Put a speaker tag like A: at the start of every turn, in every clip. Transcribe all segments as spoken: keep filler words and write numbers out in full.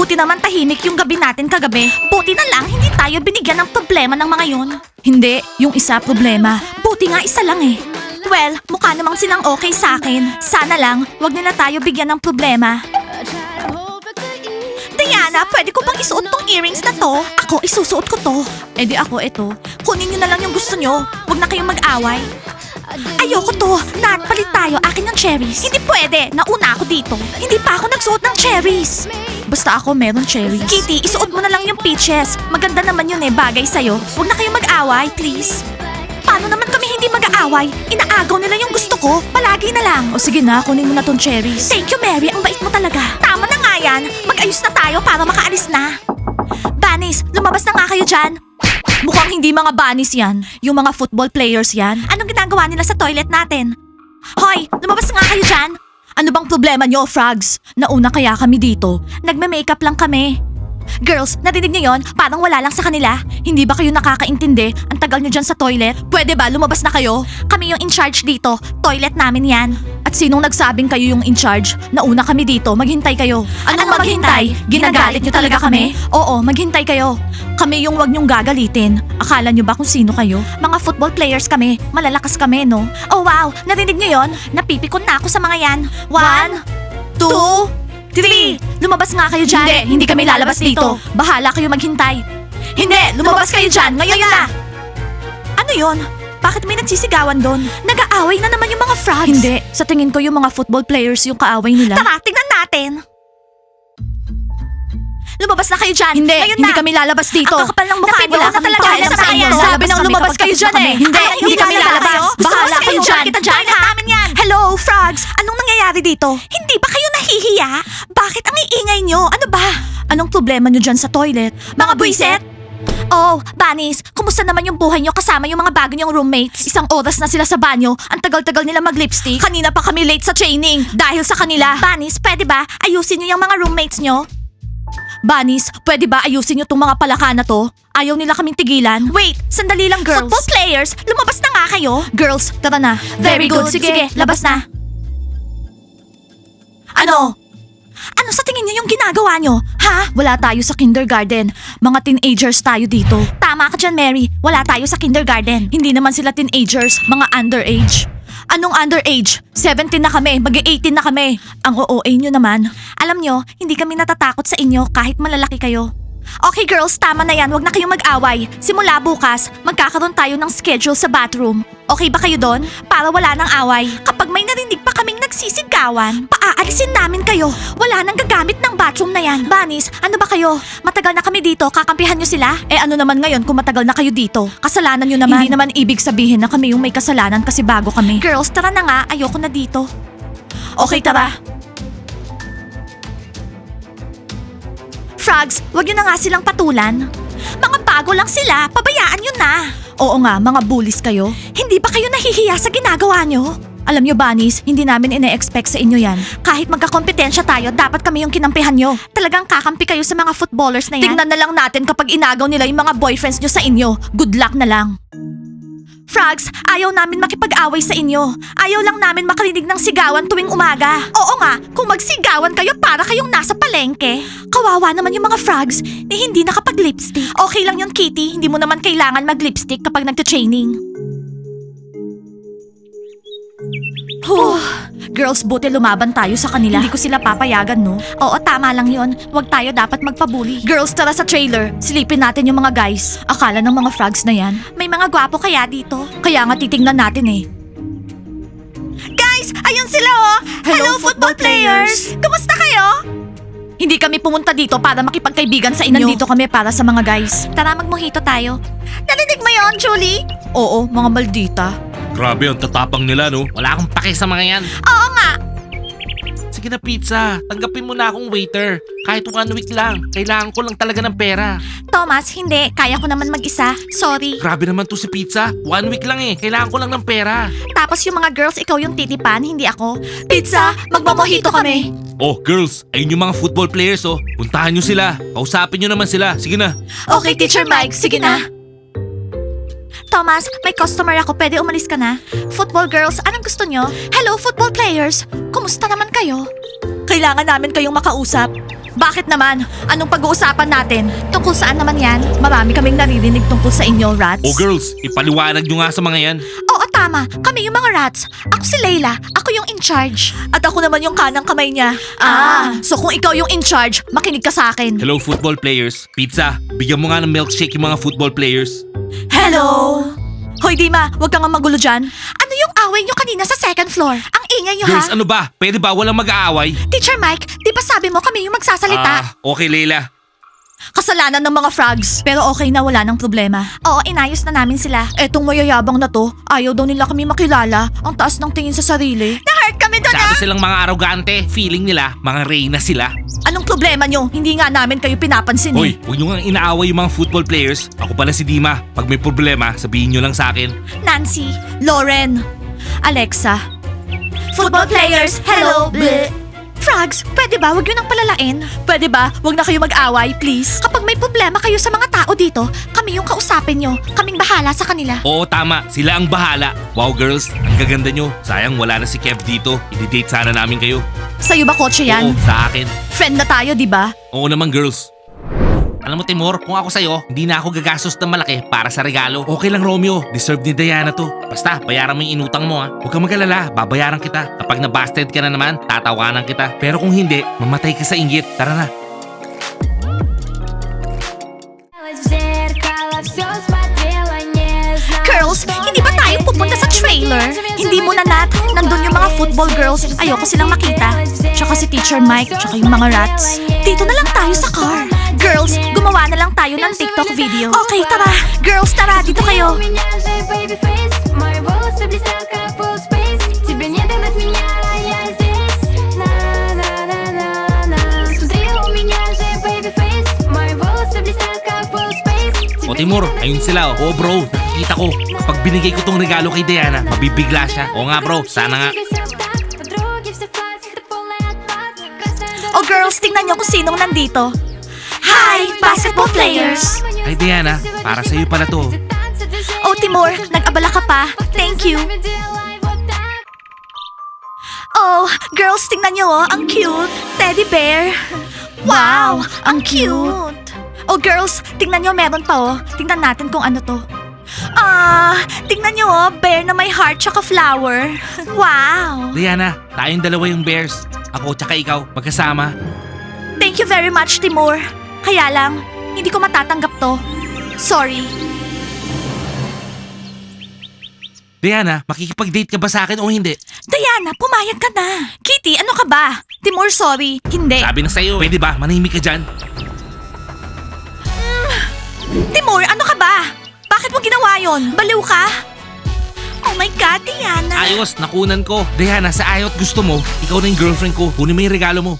A: Buti naman tahimik yung gabi natin kagabi. Buti na lang hindi tayo binigyan ng problema ng mga yon. Hindi, yung isa problema. Buti nga isa lang eh. Well, mukha namang silang okay sa akin. Sana lang, wag nila tayo bigyan ng problema. Diana, pwede ko bang isuot tong earrings na to? Ako, isusuot ko to. Eh di ako ito. Kunin nyo na lang yung gusto nyo. Huwag na kayong mag-away. Ayoko to. Nat, palit tayo. Akin yung cherries. Hindi pwede. Nauna ako dito. Hindi pa ako nagsuot ng cherries. Basta ako meron cherries. Kitty, isuot mo na lang yung peaches. Maganda naman yun eh. Bagay sa'yo. Huwag na kayong mag-away, please. Paano naman kami hindi mag-aaway? Inaagaw nila yung gusto ko. Palagi na lang. O sige na, kunin mo na tong cherries. Thank you, Mary. Ang bait mo talaga. Tama na nga yan. Mag-ayos na tayo para makaalis na. Bunnies, lumabas na nga kayo dyan. Mukhang hindi mga bunnies yan. Yung mga football players yan. Anong ginagawa nila sa toilet natin? Hoy, lumabas na nga kayo dyan. Ano bang problema nyo, frogs? Nauna kaya kami dito. Nagme-makeup lang kami. Girls, narinig niyo yon? Parang wala lang sa kanila. Hindi ba kayo nakakaintindi? Ang tagal niyo dyan sa toilet. Pwede ba lumabas na kayo? Kami yung in charge dito. Toilet namin yan. At sinong nagsabing kayo yung in charge? Nauna kami dito. Maghintay kayo. Anong, Anong maghintay? Ginagalit niyo talaga kami? Oo, maghintay kayo. Kami yung wag niyong gagalitin. Akala niyo ba kung sino kayo? Mga football players kami. Malalakas kami, no? Oh wow, narinig niyo yon? Napipikon na ako sa mga yan. One, two, Three! Lumabas nga kayo dyan! Hindi, hindi kami lalabas dito. Bahala kayo maghintay. Hindi! Lumabas kayo dyan! Ngayon na! Ano yon? Bakit may nagsisigawan doon? Nag-aaway na naman yung mga frogs. Hindi. Sa tingin ko yung mga football players yung kaaway nila. Tara, tingnan natin! Lumabas na kayo dyan! Hindi! Ngayon hindi na. Kami lalabas dito. Ang kakapal ng mukha nyo. Wala kami pakialam sa inyo. Sabi nang lumabas kayo dyan eh. Hindi! Hindi kami lalabas. Bahala kayo dyan. Kita dyan. Hello, frogs! Anong nangyayari dito? Hindi ba kayo nahihiya? Bakit ang iingay nyo? Ano ba? Anong problema nyo dyan sa toilet? Mga buwiset? Oh, bunnies, kumusta naman yung buhay nyo kasama yung mga bago nyong roommates? Isang oras na sila sa banyo, ang tagal-tagal nila mag-lipstick. Kanina pa kami late sa training dahil sa kanila. Bunnies, pwede ba ayusin nyo yung mga roommates nyo? Bunnies, pwede ba ayusin nyo tong mga palaka na to? Ayaw nila kaming tigilan. Wait, sandali lang girls. Football players, lumabas na nga kayo. Girls, tara na. Very, good. Sige, Sige, labas na. Ano? Ano sa tingin niyo yung ginagawa nyo? Ha? Wala tayo sa kindergarten. Mga teenagers tayo dito. Tama ka dyan, Mary. Wala tayo sa kindergarten. Hindi naman sila teenagers, mga underage. Anong underage? seventeen na kami, mag-eighteen na kami. Ang O O A nyo naman. Alam nyo, hindi kami natatakot sa inyo kahit malalaki kayo. Okay girls, tama na yan. Huwag na kayong mag-away. Simula bukas, magkakaroon tayo ng schedule sa bathroom. Okay ba kayo doon? Para wala nang away. Kapag may narinig pa kaming nagsisigawan, paaalisin namin kayo. Wala nang gagamit ng bathroom na yan. Bunnies, ano ba kayo? Matagal na kami dito, kakampihan nyo sila? Eh ano naman ngayon kung matagal na kayo dito? Kasalanan nyo naman. Hindi naman ibig sabihin na kami yung may kasalanan kasi bago kami. Girls, tara na nga. Ayoko na dito. Okay, tara. Frogs, wag nyo na nga silang patulan. Mga bago lang sila, pabayaan nyo na. Oo nga, mga bullies kayo. Hindi ba kayo nahihiya sa ginagawa nyo? Alam nyo, bunnies, hindi namin ine-expect sa inyo yan. Kahit magkakompetensya tayo, dapat kami yung kinampihan nyo. Talagang kakampi kayo sa mga footballers na yan. Tingnan na lang natin kapag inagaw nila yung mga boyfriends nyo sa inyo. Good luck na lang. Frogs, ayaw namin makipag-away sa inyo. Ayaw lang namin makarinig ng sigawan tuwing umaga. Oo nga, kung magsigawan kayo para kayong nasa palengke. Kawawa naman yung mga frogs na hindi nakapag-lipstick. Okay lang yun, Kitty. Hindi mo naman kailangan mag-lipstick kapag nagta-training. Huh. Girls, buti lumaban tayo sa kanila. Hindi ko sila papayagan, no? Oo, tama lang yun. Huwag tayo dapat magpabuli. Girls, tara sa trailer. Silipin natin yung mga guys. Akala ng mga frogs na yan. May mga gwapo kaya dito? Kaya nga titingnan natin eh. Guys, ayun sila oh! Hello, football players! Kumusta kayo? Hindi kami pumunta dito para makipagkaibigan sa inyo. Nandito kami para sa mga guys. Tara, magmojito tayo. Narinig mo yon, Julie? Oo, mga maldita.
B: Grabe, ang tatapang nila, no?
C: Wala akong pake sa mga yan.
A: Oo nga!
C: Sige na pizza, tanggapin mo na akong waiter. Kahit one week lang, kailangan ko lang talaga ng pera.
A: Thomas, hindi. Kaya ko naman mag-isa. Sorry.
C: Grabe naman to si pizza, one week lang eh. Kailangan ko lang ng pera.
A: Tapos yung mga girls, ikaw yung titipan, hindi ako. Pizza, magmamojito kami.
B: Oh, girls, ayun yung mga football players, oh. Puntahan nyo sila. Kausapin nyo naman sila. Sige na.
A: Okay, Teacher Mike. Sige na. Thomas, may customer ako. Pwede umalis ka na? Football girls, anong gusto nyo? Hello, football players. Kumusta naman kayo? Kailangan namin kayong makausap. Bakit naman? Anong pag-uusapan natin? Tungkol saan naman yan? Marami kaming naririnig tungkol sa inyo, rats.
B: Oh girls, ipaliwanag nyo nga sa mga yan.
A: Oo, tama. Kami yung mga rats. Ako si Layla. Ako yung in charge. At ako naman yung kanang kamay niya. Ah, so kung ikaw yung in charge, makinig ka sa akin.
B: Hello football players. Pizza, bigyan mo nga ng milkshake yung mga football players.
A: Hello! Hoy, Dima, wag kang magulo dyan. Ano yung away nyo kanina sa second floor? Ang ingay nyo,
B: Girls,
A: ha?
B: ano ba? Pwede ba walang mag-aaway?
A: Teacher Mike, di ba sabi mo kami yung magsasalita?
B: Ah, okay Leila.
A: Kasalanan ng mga frogs. Pero okay na, wala ng problema. Oo, inayos na namin sila. Etong mayayabang na to, ayaw daw nila kami makilala. Ang taas ng tingin sa sarili. Na-hurt kami doon,
B: Sabi
A: ah!
B: silang mga arrogante. Feeling nila, mga reyna sila.
A: Anong problema nyo? Hindi nga namin kayo pinapansin,
B: Hoy,
A: eh.
B: huwag nyo nga inaaway yung mga football players. Ako pala si Dima. Pag may problema, sabihin nyo lang sa akin.
A: Nancy, Lauren, Alexa. Football players, hello! Bleh. Frogs, pwede ba wag yun ang palalain? Pwede ba wag na kayo mag-away, please? Kapag may problema kayo sa mga tao dito, kami yung kausapin nyo. Kaming bahala sa kanila.
B: Oo, tama. Sila ang bahala. Wow, girls. Ang gaganda nyo. Sayang wala na si Kev dito. I-date sana namin kayo.
A: Sa'yo ba kotse yan?
B: Oo, sa akin.
A: Friend na tayo, di ba?
B: Oo naman, girls. Alam mo, Timur, kung ako sa'yo, hindi na ako gagastos ng malaki para sa regalo. Okay lang, Romeo. Deserve ni Diana to. Basta, bayaran mo yung inutang mo, ha. Huwag kang mag-alala. Babayaran kita. Kapag nabasted ka na naman, tatawanan kita. Pero kung hindi, mamatay ka sa inggit. Tara na.
A: Girls, hindi ba tayo pupunta sa trailer? Hindi mo na, Nat. Nandun yung mga football girls. Ayoko silang makita. Tsaka si Teacher Mike, tsaka yung mga rats. Dito na lang tayo sa car. Girls, gumawa na lang tayo ng TikTok video. Okay, tara. Girls, tara. Dito kayo.
B: O Timur, ayun sila, oh. Oo, bro. Nakikita ko. Kapag binigay ko tong regalo kay Diana, mabibigla siya. Oo nga, bro. Sana nga.
A: Oh, girls, tingnan nyo kung sinong nandito. Hi, basketball players.
B: Ay, Diana, para sa'yo pala to.
A: Oh, Timur, nag-abala ka pa. Thank you. Oh, girls, tingnan nyo, oh. Ang cute. Teddy bear. Wow, ang cute. Oh, girls, tingnan nyo, meron pa, oh. Tingnan natin kung ano to. Ah, tingnan nyo, oh. Bear na may heart tsaka flower. Wow.
B: Diana, tayong dalawa yung bears. Ako tsaka ikaw, magkasama.
A: Thank you very much, Timur. Kaya lang, hindi ko matatanggap to. Sorry.
B: Diana, makikipag-date ka ba sa akin o hindi?
A: Diana, pumayag ka na. Kitty, ano ka ba? Timur, sorry. Hindi.
B: Sabi na sa'yo, pwede ba? Manahimik ka dyan.
A: Timur, ano ka ba? Bakit mo ginawa yon? Baliw ka? Oh my God, Diana.
B: Ayos, nakunan ko. Diana, sa ayot gusto mo, ikaw na yung girlfriend ko. Kunin mo yung regalo mo.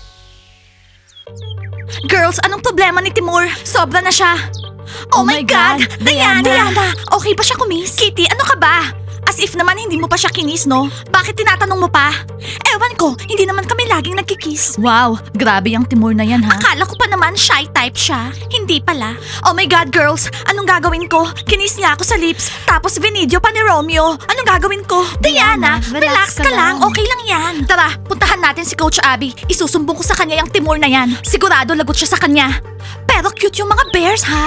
A: Girls, anong problema ni Timur? Sobra na siya. Oh, my God, Diana. Diana, okay ba siya kumis? Kitty, ano ka ba? As if naman hindi mo pa siya kinis, no? Bakit tinatanong mo pa? Ewan ko, hindi naman kami laging nagkikiss. Wow, grabe yung Timur na yan, ha? Akala ko pa naman shy type siya. Hindi pala. Oh my God, girls, anong gagawin ko? Kinis niya ako sa lips, tapos vinidyo pa ni Romeo. Anong gagawin ko? Diana, relax, ka lang. Okay lang yan. Tara, puntahan natin si Coach Abby. Isusumbong ko sa kanya yung Timur na yan. Sigurado lagot siya sa kanya. Pero cute yung mga bears, ha?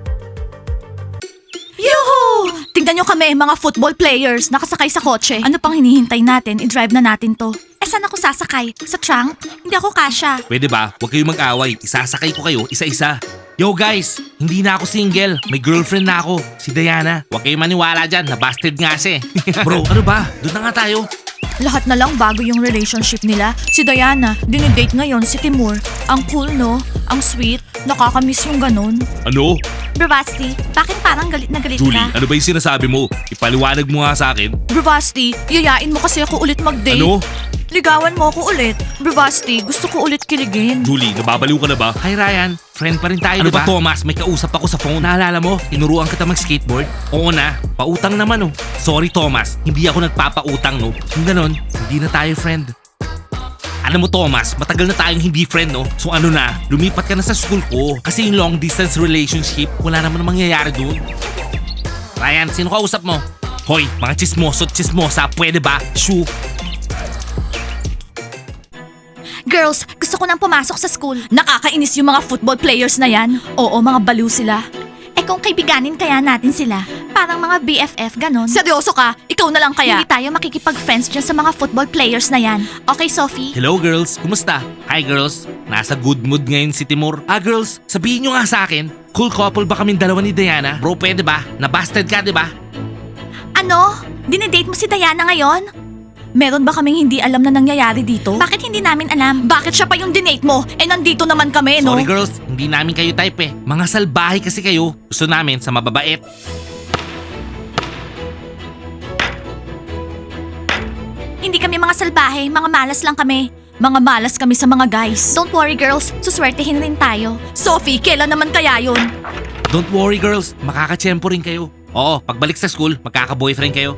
A: Yuhu! Tingnan nyo kami, mga football players, nakasakay sa kotse. Ano pang hinihintay natin? I-drive na natin to. Eh, saan ako sasakay? Sa trunk? Hindi ako kasha.
B: Pwede ba? Huwag kayong mag-away. Isasakay ko kayo isa-isa. Yo guys, hindi na ako single. May girlfriend na ako, si Diana. Huwag kayong maniwala dyan, nabasted nga siya eh. Bro, ano ba? Doon na nga tayo.
A: Lahat na lang bago yung relationship nila. Si Diana, dinidate ngayon si Timur. Ang cool, no? Ang sweet. Nakakamiss yung ganun.
B: Ano?
A: Bravasti, bakit parang galit na galit
B: Julie,
A: ka?
B: ano ba yung sinasabi mo? Ipaliwanag mo nga sa akin.
A: Bravasti, yayain mo kasi ako ulit mag-date.
B: Ano?
A: Ligawan mo ako ulit. Bravasti, gusto ko ulit kiligin.
B: Julie, nababaliw ka na ba? Hi Ryan, friend pa rin tayo, ano
C: diba?
B: ba? Thomas, may kausap ako sa phone. Naalala mo, tinuruan kita mag-skateboard? Oo na, pautang naman oh. Sorry Thomas, hindi ako nagpapautang no. Kung ganon, hindi na tayo friend. Alam mo Thomas, matagal na tayong hindi friend no. So ano na, lumipat ka na sa school ko. Kasi yung long distance relationship, wala naman mangyayari dun. Ryan, sino kausap mo? Hoy, mga chismoso at chismosa, pwede ba? Shoo.
A: Girls, gusto ko nang pumasok sa school. Nakakainis yung mga football players na yan. Oo, mga baliw sila. Eh kung kaibiganin kaya natin sila, parang mga B F F, ganon. Seryoso ka? Ikaw na lang kaya? Hindi tayo makikipag-friends dyan sa mga football players na yan. Okay, Sophie?
B: Hello girls, kumusta? Hi girls, nasa good mood ngayon si Timur. Ah girls, sabihin nyo nga sa akin, cool couple ba kaming dalawa ni Diana? Bro, pwede ba? Nabasted ka, di ba?
A: Ano? Dinedate mo si Diana ngayon? Meron ba kaming hindi alam na nangyayari dito? Bakit hindi namin alam? Bakit siya pa yung dinate mo? Eh nandito naman kami, no?
B: Sorry girls, hindi namin kayo type eh. Mga salbahe kasi kayo. Gusto namin sa mababait.
A: Hindi kami mga salbahe, mga malas lang kami. Mga malas kami sa mga guys. Don't worry girls, suswertehin rin tayo. Sophie, kailan naman kaya yun?
B: Don't worry girls, makakatsyempo rin kayo. Oo, pagbalik sa school, magkaka-boyfriend kayo.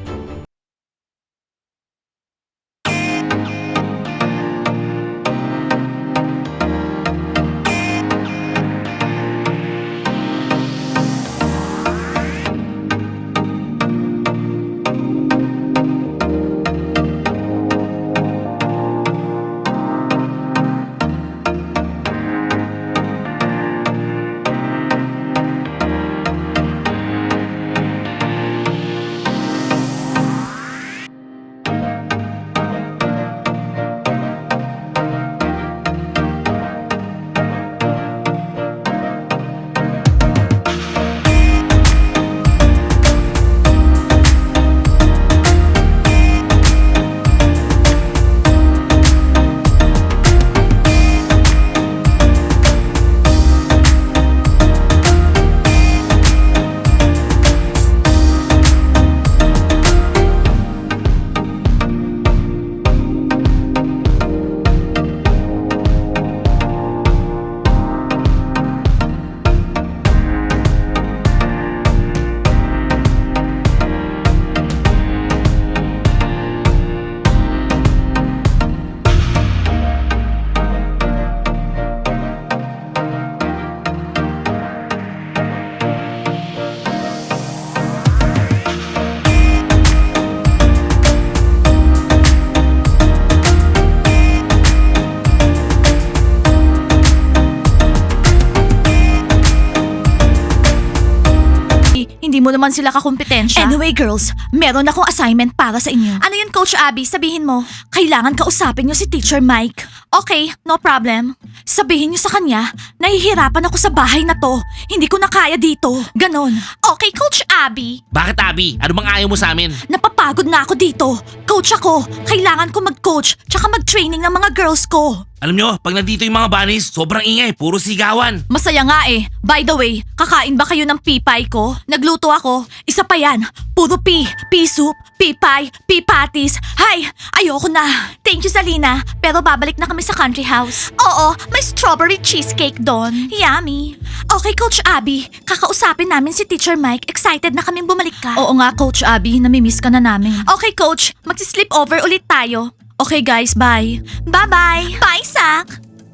A: Hindi mo naman sila kakumpetensya. Anyway, girls, meron akong assignment para sa inyo. Ano yun, Coach Abby? Sabihin mo. Kailangan kausapin niyo si Teacher Mike. Okay, no problem. Sabihin niyo sa kanya, nahihirapan ako sa bahay na to. Hindi ko na kaya dito. Ganon. Okay, Coach Abby.
B: Bakit Abby? Ano bang ayaw mo sa amin?
A: Napapagod na ako dito. Coach ako. Kailangan ko mag-coach tsaka mag-training ng mga girls ko.
B: Alam nyo, pag nandito yung mga bunnies, sobrang ingay, puro sigawan.
A: Masaya nga eh. By the way, kakain ba kayo ng pipay ko? Nagluto ako. Isa pa yan. Puro pea. Pea soup, pea pie, pea patties. Hay, ayoko na. Thank you, Salina. Pero babalik na kami sa country house. Oo, may strawberry cheesecake doon. Yummy. Okay, Coach Abby. Kakausapin namin si Teacher Mike. Excited na kaming bumalik ka. Oo nga, Coach Abby. Namimiss ka na namin. Okay, Coach. Magsi-sleep over ulit tayo. Okay guys, bye. Bye-bye. Bye, Zach.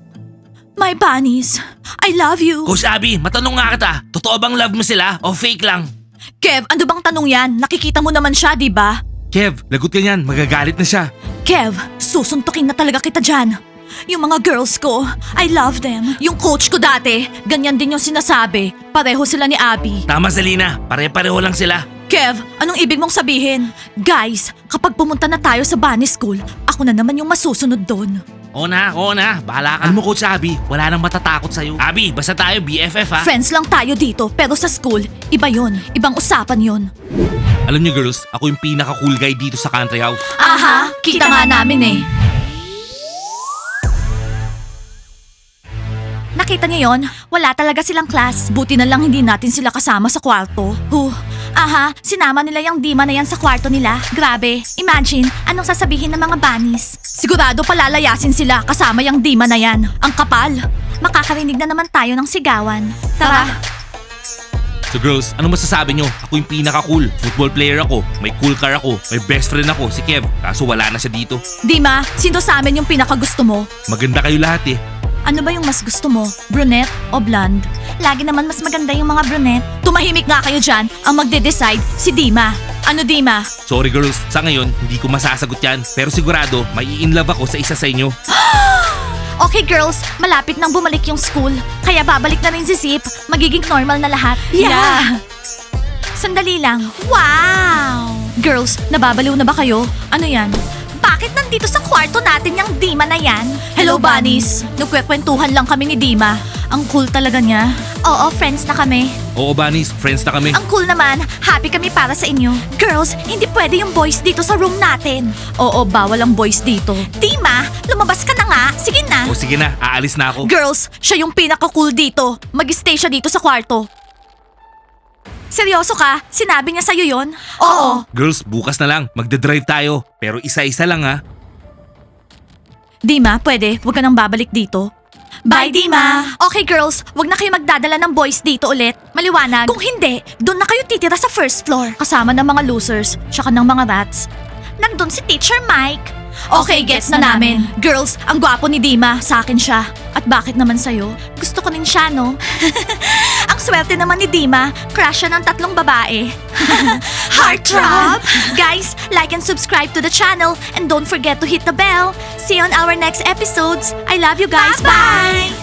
A: My bunnies, I love you.
B: Coach Abby, matanong nga kita, totoo bang love mo sila o fake lang?
A: Kev, ano bang tanong yan? Nakikita mo naman siya, di ba?
B: Kev, lagot ka niyan, magagalit na siya.
A: Kev, susuntukin na talaga kita dyan. Yung mga girls ko, I love them. Yung coach ko dati, ganyan din yung sinasabi. Pareho sila ni Abby.
B: Tama Selena, pare-pareho lang sila.
A: Kev, anong ibig mong sabihin? Guys, kapag pumunta na tayo sa bunny school, ako na naman yung masusunod doon.
B: Oo na, oo na, bahala ka. Alam mo Coach Abby, wala nang matatakot sa'yo. Abby, basta tayo B F F ha.
A: Friends lang tayo dito, pero sa school, iba yon, ibang usapan yon.
B: Alam niyo girls, ako yung pinaka-cool guy dito sa country house.
A: Aha, kita nga namin eh. Nakita niyo yon? Wala talaga silang class. Buti na lang hindi natin sila kasama sa kwarto. Huh. Aha, sinama nila yung Dima na yan sa kwarto nila. Grabe. Imagine, anong sasabihin ng mga bunnies? Sigurado palalayasin sila kasama yung Dima na yan. Ang kapal. Makakarinig na naman tayo ng sigawan. Tara.
B: So girls, ano masasabi nyo? Ako yung pinaka-cool. Football player ako, may cool car ako, may best friend ako, si Kev. Kaso wala na siya dito.
A: Dima, sino sa amin yung pinakagusto mo?
B: Maganda kayo lahat eh.
A: Ano ba yung mas gusto mo? Brunette o blonde? Lagi naman mas maganda yung mga brunette. Tumahimik nga kayo dyan. Ang magde-decide, si Dima. Ano Dima?
B: Sorry girls, sa ngayon, hindi ko masasagot yan. Pero sigurado, may in love ako sa isa sa inyo.
A: Okay girls, malapit nang bumalik yung school. Kaya babalik na rin si Zip. Magiging normal na lahat.
D: Yeah.
A: Sandali lang. Wow! Girls, nababaliw na ba kayo? Ano yan? Bakit nandito sa kwarto natin yung Dima na yan? Hello, bunnies! Nagkwekwentuhan lang kami ni Dima. Ang cool talaga niya. Oo, friends na kami.
B: Oo, bunnies, friends na kami.
A: Ang cool naman, happy kami para sa inyo. Girls, hindi pwede yung boys dito sa room natin. Oo, bawal ang boys dito. Dima, lumabas ka na nga. Sige na.
B: O sige na, aalis na ako.
A: Girls, siya yung pinaka-cool dito. Mag-stay siya dito sa kwarto. Seryoso ka? Sinabi niya sa'yo yon? Oo.
B: Girls, bukas na lang. Magdadrive tayo. Pero isa-isa lang ha.
A: Dima, pwede. Huwag ka nang babalik dito. Bye, Dima! Okay, girls. Huwag na kayo magdadala ng boys dito ulit. Maliwanag. Kung hindi, doon na kayo titira sa first floor. Kasama ng mga losers, tsaka ng mga rats. Nandun si Teacher Mike. Okay, gets na namin. Girls, ang gwapo ni Dima. Sa akin siya. At bakit naman sa'yo? Gusto ko rin siya, no? Ang swerte naman ni Dima. Crush siya ng tatlong babae. Heartthrob! Guys, like and subscribe to the channel and don't forget to hit the bell. See you on our next episodes. I love you guys. Bye!